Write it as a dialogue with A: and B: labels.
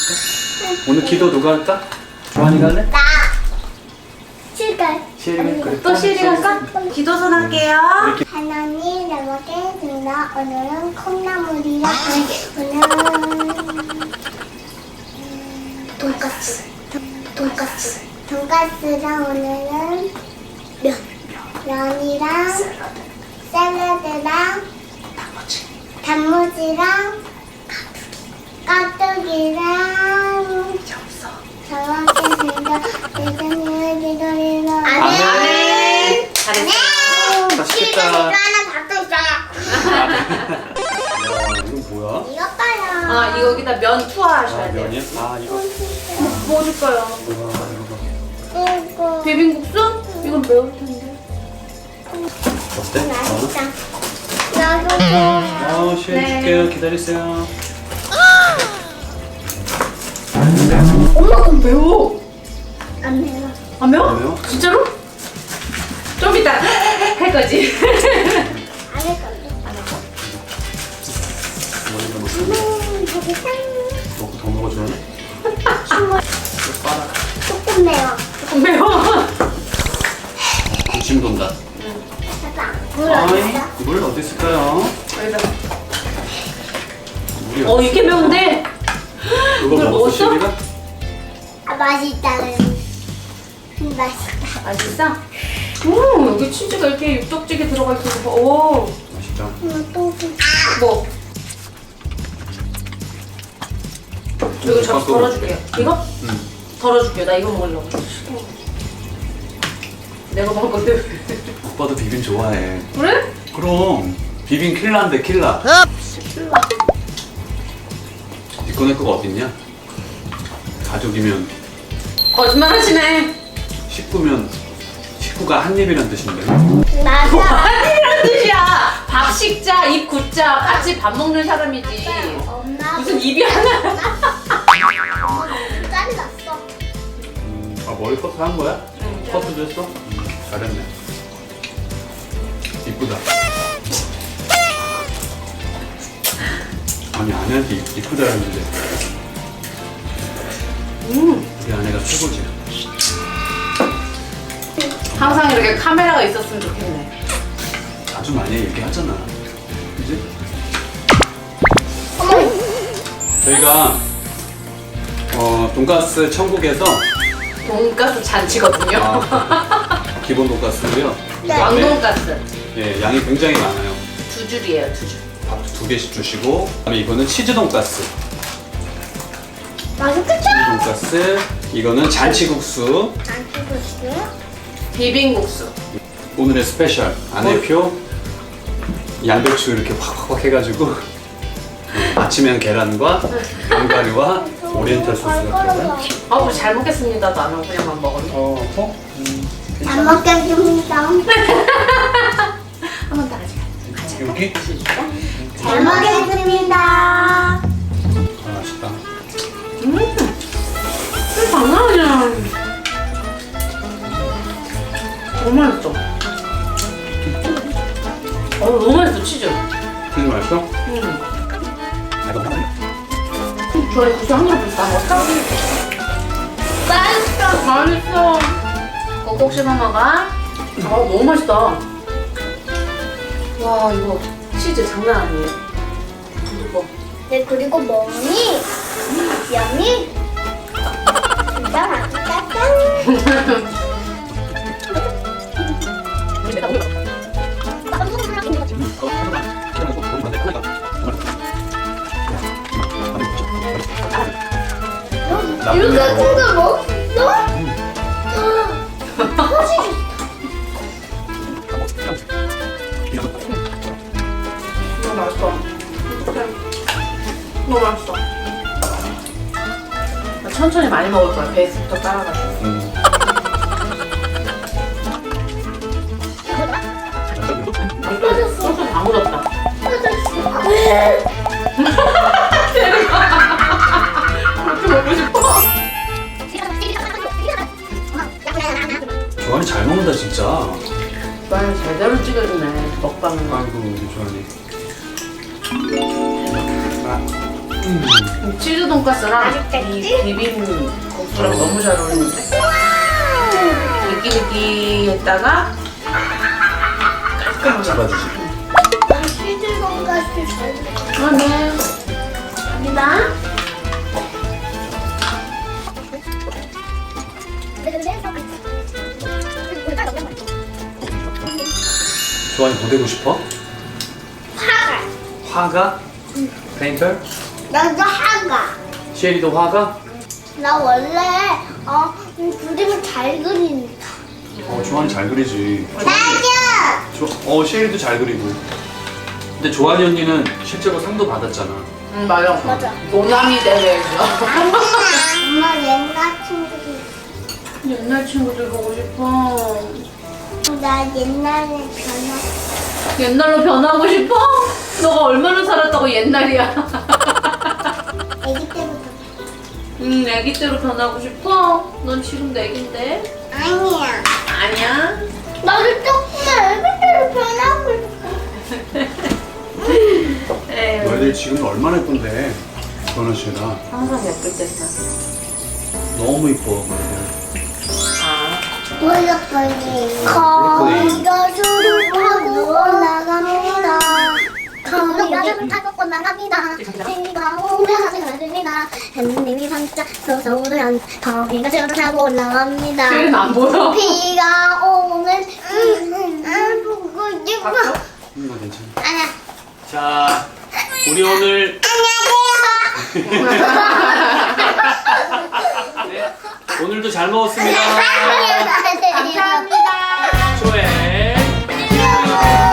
A: 오늘 기도 누가 할까? 조한이가 할래?
B: 나 칠갈.
A: 시혜리가 그래.
C: 또 시리 할까? 기도선 할게요.
B: 하나님 잘 먹겠습니다. 오늘은 콩나물이랑 오늘은 돈까스. 돈까스랑 오늘은 면이랑 샐러드랑 단무지랑 가뜩이랑 잘 먹겠습니다. 예수님의 기도리로
C: 아멘. 잘했어.
A: 맛있겠다.
B: 하나 밥도 있어요.
A: 야, 이거 뭐야?
B: 이거 봐요.
C: 아, 이거 여기다 면 투하하셔야 돼요.
A: 면이야? 아, 이거.
C: 뭐 줄까요?
A: 와, 이거
B: 이거
C: 비빔국수? 이건 매울 텐데.
A: 어때?
B: 맛있다. 나도 좋아요.
A: 시혜리
C: 네.
A: 줄게요. 기다리세요.
C: 엄마 그럼 매워.
B: 안 매워.
C: 안 매워?
A: 안 매워?
C: 진짜로? 좀 이따 할 거지.
B: 안 할 건데.
A: 머리가 먹고
B: 저기 상
A: 먹고 더 먹어 주네. 빨아.
B: 조금 매워.
C: 조금 매워.
A: 군침 돈다.
B: 봐봐. 물 어디 있어?
A: 물 어디 있을까요?
C: 여기다.
A: 물이
C: 어, 이렇게 매운데?
A: 그거
C: 물
A: 먹었어,
C: 먹었어?
A: 시혜리가?
B: 아, 맛있다. 맛있다.
C: 맛있어? 여기 치즈가 이렇게 육덕지게 들어가 있어서 봐. 오,
A: 맛있다.
B: 또
C: 뭐? 이거 잡 덜어줄게요. 이거?
A: 응.
C: 덜어줄게요. 나 이거 먹으려고. 내가 먹을 건데.
A: 오빠도 비빔 좋아해.
C: 그래?
A: 그럼 비빔 킬라인데 킬라. 니꺼 내 거가 어딨냐? 가족이면
C: 거짓말 하시네.
A: 식구면 식구가 한 입이란 뜻인데.
B: 맞아.
C: 아니란 뜻이야. 밥 식자, 입 굳자, 같이 밥 먹는 사람이지.
B: 엄마
C: 무슨 입이 하나.
B: 짤이 났어.
A: 아 머리 커트 한 거야?
C: 응.
A: 커트도 했어? 잘했네. 이쁘다. 아니 아내한테 이쁘다 했는데 우리 아내가 최고지.
C: 항상 이렇게 카메라가 있었으면 좋겠네.
A: 아주 많이 얘기하잖아. 그지? 저희가 돈가스 천국에서
C: 돈가스 잔치거든요.
A: 기본 돈가스고요.
B: 네.
C: 왕돈가스.
A: 예, 양이 굉장히 많아요.
C: 2줄이에요, 2줄.
A: 밥 2개씩 주시고 그다음에 이거는 치즈 돈가스.
B: 맛있겠다.
A: 치즈 돈가스. 이거는 잔치국수.
B: 안 쓰고 있어요?
C: 비빔국수.
A: 오늘의 스페셜 아내표 양배추 이렇게 확확확 해가지고 아침엔 계란과 견과류와 오리엔탈 소스가 들어간.
C: 아, 우리 잘 먹겠습니다. 나는 그냥만 먹었네.
B: 잘 먹겠습니다.
C: 한 번 더 가자.
A: 여기?
B: 잘 먹겠습니다.
A: 아, 맛있다.
C: 장난 아니야. 너무 맛있어. 너무 맛있어, 치즈.
A: 치즈 맛있어?
C: 저희 국수 한 그릇 다 먹었어? 맛있어. 맛있어. 꼭꼭 씹어 먹어. 너무 맛있다. 와, 이거 치즈 장난 아니에요. 이거.
B: 네, 그리고 뭐니? 여미? 진짜 맛있다. 짠. 이렇게 큰 걸 먹을 수 있어?
C: 너무 맛있어. 너무 맛있어. 나 천천히 많이 먹을 거야. 베이스부터 깔아가지고. 소스 다 묻었다. 그렇게 먹고 싶어?
A: 조한이 잘 먹는다 진짜.
C: 오빠는 제대로 찍어주네. 먹방은.
A: 아이고 우리 조한이.
C: 치즈 돈까스랑
B: 맛있겠지?
C: 이 비빔 국수랑 너무 잘 어울리는데. 느끼느끼했다가
A: 깍 잡아주지.
B: 난 치즈 돈가스 잘 먹어.
C: 네. 갑니다.
A: 조한이 뭐 되고 싶어?
B: 화가.
A: 화가? 페인터?
B: 나도 화가.
A: 시엘이도 화가?
B: 나 원래 그림을 잘 그리니까.
A: 조한이 잘 그리지.
B: 나도.
A: 시엘이도 잘 그리고. 근데 조한이 언니는 실제로 상도 받았잖아.
C: 맞아.
B: 맞아.
C: 노남이 대회에서.
B: 엄마 옛날 친구들.
C: 옛날 친구들 보고 싶어.
B: 나 옛날에
C: 옛날로 변하고 싶어? 너가 얼마나 살았다고 옛날이야.
B: 아기 때부터.
C: 애기 때로 변하고 싶어? 넌 지금도 애긴데?
B: 아니야.
C: 아니야.
B: 나도 조금만 아기 때로 변하고 싶어.
C: 에휴.
A: 너희들 지금 얼마나 예쁜데? 조한아 씨가
C: 항상 예쁠 때다.
A: 너무 이뻐. 너희들.
C: 아.
B: 블록콜리. 거기가 술을 타고 올라갑니다. 거기가 술을 타고 올라갑니다. 생기가 오면 하늘입니다. 햇님이 반짝 솟아오르면 거기가 술을 타고 올라갑니다.
C: 쟤는 안 보여.
B: 비가 오면 보고 싶어.
A: 괜찮아.
B: 아니야.
A: 자, 우리 오늘 네, 오늘도 잘 먹었습니다.
B: 감사합니다.
A: 조회.